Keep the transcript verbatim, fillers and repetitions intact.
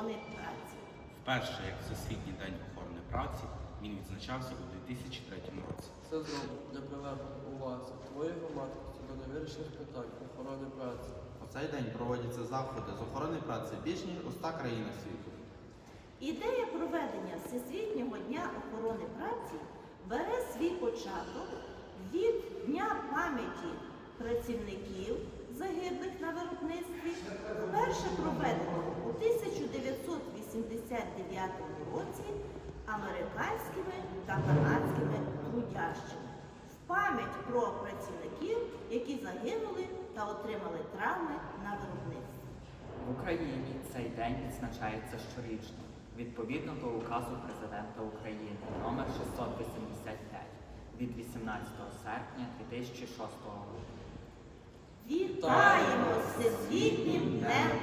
охорони праці. Вперше, як Всесвітній день охорони праці, він відзначався у дві тисячі третьому році. Це зроблено для привернення уваги твоєї громадськості до невирішених питань охорони праці. У цей день проводяться заходи з охорони праці більш ніж у ста країнах світу. Ідея проведення Всесвітнього дня охорони праці бере свій початок від Дня пам'яті працівників, загиблих на виробництві, вперше проведеного у тисяча дев'ятсот вісімдесят дев'ятому році американськими та канадськими трудящими в пам'ять про працівників, які загинули та отримали травми на виробництві. В Україні цей день відзначається щорічно, відповідно до указу Президента України номер шістсот вісімдесят п'ять від вісімнадцятого серпня дві тисячі шостого року. Вітаємо з Всесвітнім днем